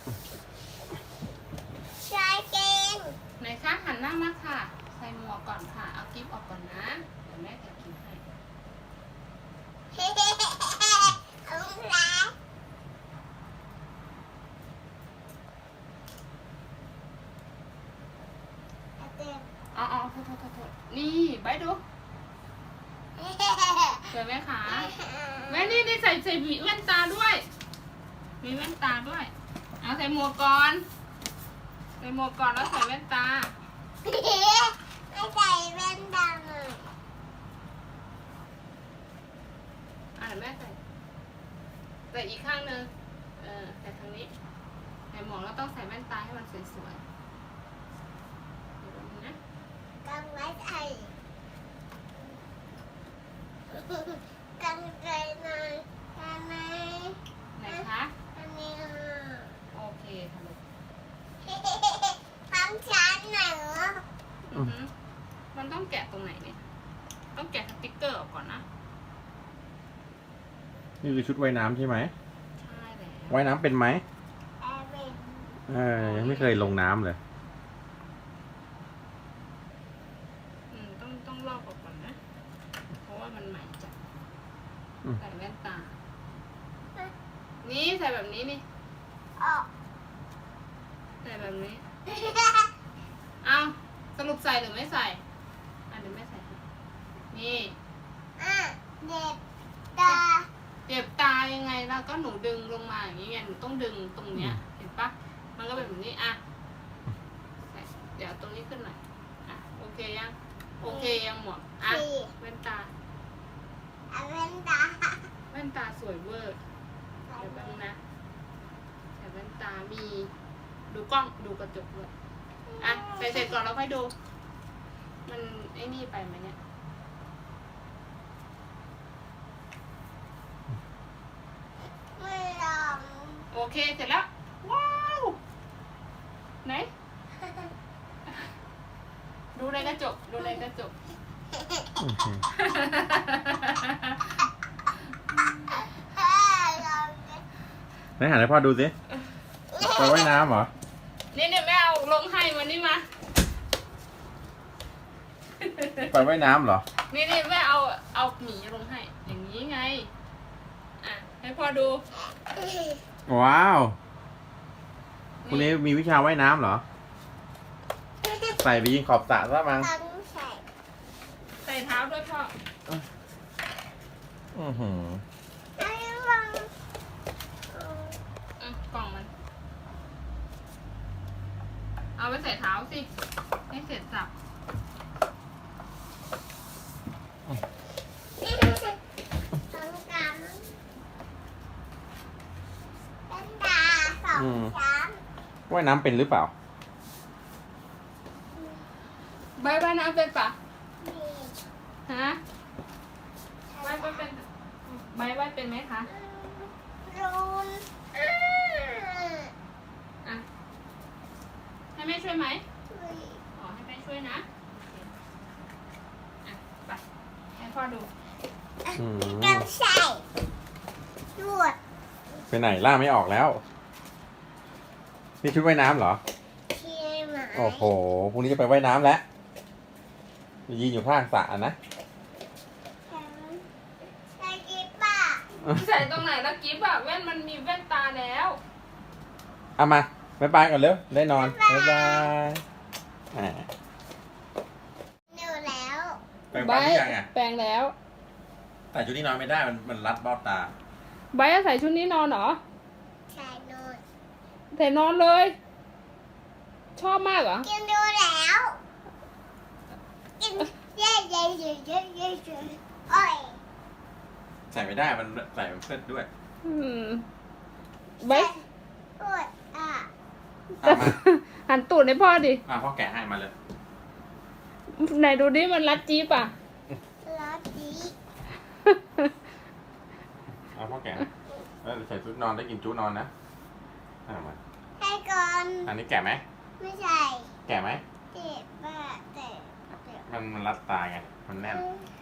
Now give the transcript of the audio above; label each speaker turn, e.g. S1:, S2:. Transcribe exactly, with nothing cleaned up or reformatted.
S1: ชายเก่ง
S2: ไหนคะหันหน้ามาค่ะ ใส่หมวกก่อนค่ะ เอากิ๊บออกก่อนนะ เดี๋ยวแม่จะกินให้
S1: เฮ้เฮ้เฮ้เฮ้เอาลูกรักเอาเต็ม
S2: อ๋ออ๋อโทษโทษโทษโทษนี่ใบดู
S1: เฮ้เฮ้เฮ้เฮ้
S2: สวยไหมคะแม่นี่นี่ใส่ใส่หวีแว่นตาด้วย มีแว่นตาด้วย เอาใส่หมวกก่อน ใส่หมวกก่อนแล้วใส่แว่นตา
S1: ไม่ใส่แว่นดำอ่ะ
S2: อ่ะเดี๋ยวแม่ใส่ ใส่อีกข้างหนึ่งเออใส่ทางนี้ ใส่หมวกแล้วต้องใส่แว่นตาให้มันสวยๆเดี๋ยวแป๊บนึงนะ
S1: กำไว้ใส่กำใจหน่อยได้ไหม
S2: ไหนคะ
S1: อันนี้อ่ะ
S2: โอเคค่ะลูก
S1: ทำชั้นหน่อยเหรอ
S2: อือหือมันต้องแกะตรงไหนเนี่ย ต้องแกะสติ๊กเกอร์ออกก่อนนะ
S3: นี่คือชุดว่ายน้ำใช่ไหม
S2: ใช่แล้ว
S3: ว่ายน้ำเป็นไหม
S1: แอร์เวน
S3: เออยังไม่เคยลงน้ำเลย
S2: อืมต้องต้องลอกออกก่อนนะ เพราะว่ามันใหม่จัด
S3: อืม
S2: ใส่แว่นตา นี่ใส่แบบนี้นี่
S1: ออก
S2: ใส่แบบนี้ เอาสรุปใส่หรือไม่ใส่ อ่ะเดี๋ยวไม่ใส่ให้นี่
S1: อ่ะเด็ดตา
S2: เจ็บตายังไงแล้วก็หนูดึงลงมาอย่างนี้ไงหนูต้องดึงตรงเนี้ย เห็นปะมันก็เป็นแบบนี้อ่ะใส่เดี๋ยวตรงนี้ขึ้นหน่อยอ่ะโอเคยังโอเคยังหมดอ่ะ
S1: สี่
S2: แว่นตา
S1: เอาแว่นตา
S2: แว่นตาสวยเวอร์เดี๋ยวแป๊บนึงนะใส่แว่นตามีดูกล้องดูกระจกด้วยอ่ะใส่เสร็จก่อนแล้วค่อยดู มันไอ้นี่ไปไหมเนี่ย
S1: ไม่ลอง
S2: โอเคเสร็จแล้วว้าวไหน ดูในกระจกดูในกระจก
S3: โอเค
S1: เฮ้ยลองดิ
S3: ไหนหันให้พ่อดูสิไปว่ายน้ำเหรอ
S2: นี่เนี่ยแม่เอาลงให้มันนี่มา
S3: ไปว่ายน้ำเหรอ
S2: นี่นี่แม่เอาเอาหมีลงให้ อย่างนี้ไง อ่ะให้พ่อดู
S3: ว้าวคุณนี้มีวิชาว่ายน้ำเหรอ ใส่ไปยิงขอบสระซะมั้ง
S1: ต้องใส่
S2: ใส่เท้าด้วยพ่อ
S3: อือหือ
S1: ไอ้ลอง
S2: อ่ะกล่องมัน เอาไปใส่เท้าสิ ให้เสร็จสับ
S1: ต้องกำแว่นตาสองชั้น
S3: ว่ายน้ำเป็นหรือเปล่า
S2: ใบใบน้ำเป็นปะ
S1: นี่
S2: ฮะใบใบเป็นใบใบเป็นไหมคะ
S1: รูน
S2: อ่ะ ให้แม่ช่วยไหม
S1: อุ้ย
S2: อ๋อให้แม่ช่วยนะโอเคอ่ะไปให้พ่อดู
S3: อืม
S1: กำใส่ลวด
S3: ไปไหนล่าไม่ออกแล้ว นี่ชุดว่ายน้ำเหรอ
S1: เทียม
S3: โอ้โหพรุ่งนี้จะไปว่ายน้ำแล้วยืนอยู่ข้างสระนะ
S1: ใส่กิ๊บป่ะ
S2: ใส่ตรงไหนแล้วกิ๊บอะแว่นมันมีแว่นตาแล้ว
S3: เอามาบ๊ายบายก่อนเร็ว ได้นอน บ๊ายบายอ่า
S1: หนูแล้ว
S3: แปรงฟันหรือยังอ่ะ
S2: แปลงแล้ว
S3: แต่ชุดนี้นอนไม่ได้ มันมันรัดเบ้าตา
S2: ใบจะใส่ชุดนี้นอนเหรอ
S1: ใส่หนู
S2: ใส่นอนเลย ชอบมากเหรอ
S1: กินดูแล้วกินเย้เย้เย้เย้เย้เย้โอ้ย
S3: ใส่ไม่ได้ มันใส่มันเพื่อนด้วย
S2: อืมใบ
S1: ปวดอ่ะ
S3: เอามา
S2: หันตูดให้พ่อดิ
S3: อ่ะพ่อแกะให้มาเลย
S2: ไหนดูดิมันรัดจี๊ปอะ
S1: ร้อนดี
S3: เอาพ่อแกะให้แล้วใส่ชุดนอนได้กินชุดนอนนะเอามา
S1: ให้ก่อน
S3: อันนี้แกะไหม
S1: ไม่ใส่
S3: แกะไหม
S1: เจ็บป่ะเจ็บเจ็บ
S3: มันมันรัดตาไง มันแน่น
S1: อืม